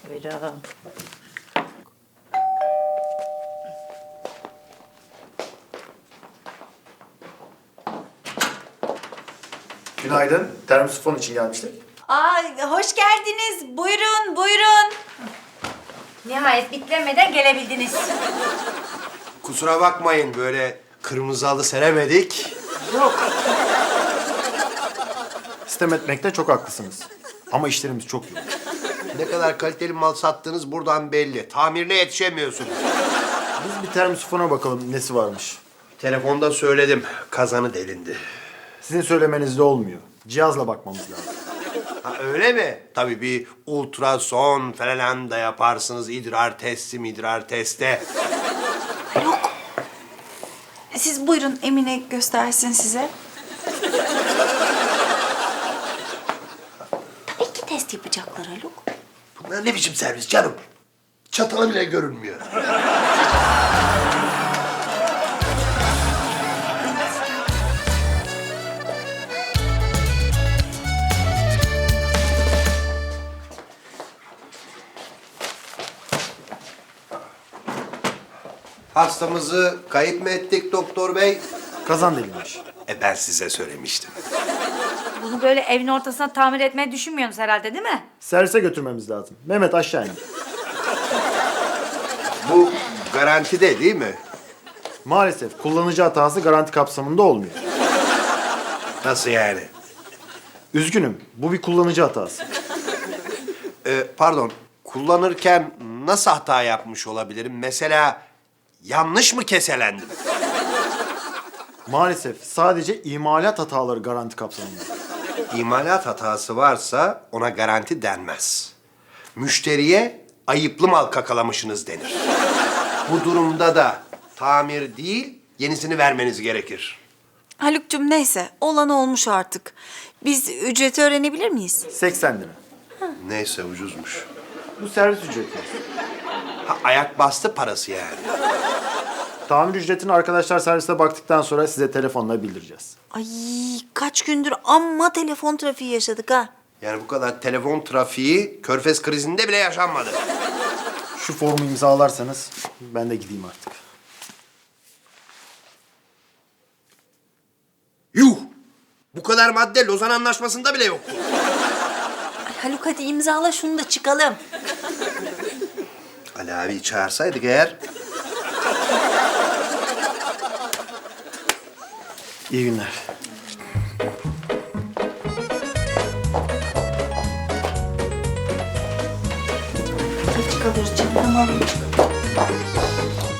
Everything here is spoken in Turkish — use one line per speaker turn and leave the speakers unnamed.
Buyurun.
Günaydın. Termosifon için gelmiştik.
Hoş geldiniz. Buyurun, buyurun. Nihayet bitlemeden gelebildiniz.
Kusura bakmayın böyle kırmızı halı seremedik.
Sistem etmekte çok haklısınız. Ama işlerimiz çok yoğun.
Ne kadar kaliteli mal sattığınız buradan belli. Tamirine yetişemiyorsunuz.
Biz bir termosifona bakalım nesi varmış.
Telefonda söyledim. Kazanı delindi.
Sizin söylemenizle olmuyor. Cihazla bakmamız lazım.
Ha, öyle mi? Tabii bir ultrason falan da yaparsınız. İdrar testi.
Siz buyurun, Emine göstersin size. İki test yapacaklar Haluk.
Bunlar ne biçim servis canım? Çatalı bile görünmüyor. Hastamızı kayıp mı ettik doktor bey?
Kazan delinmiş.
Ben size söylemiştim.
Bunu böyle evin ortasına tamir etmeyi düşünmüyorsunuz herhalde değil mi?
Servise götürmemiz lazım. Mehmet aşağı in.
Bu garantide değil mi?
Maalesef kullanıcı hatası garanti kapsamında olmuyor.
Nasıl yani?
Üzgünüm. Bu bir kullanıcı hatası.
Pardon, kullanırken nasıl hata yapmış olabilirim? Mesela yanlış mı keselendim?
Maalesef sadece imalat hataları garanti kapsamında.
İmalat hatası varsa ona garanti denmez. Müşteriye ayıplı mal kakalamışsınız denir. Bu durumda da tamir değil, yenisini vermeniz gerekir.
Haluk'cum neyse, olan olmuş artık. Biz ücreti öğrenebilir miyiz?
80 lira.
Neyse ucuzmuş.
Bu servis ücreti.
Ha, ayak bastı parası yani.
Tamir ücretini arkadaşlar serviste baktıktan sonra size telefonla bildireceğiz.
Ay kaç gündür amma telefon trafiği yaşadık ha.
Yani bu kadar telefon trafiği Körfez krizinde bile yaşanmadı.
Şu formu imzalarsanız ben de gideyim artık.
Yuh! Bu kadar madde Lozan Anlaşması'nda bile yoktu.
Ay, Haluk hadi imzala şunu da çıkalım.
Ali abi çağırsaydık eğer...
İyi günler.
Geç kalırız canım, tamam.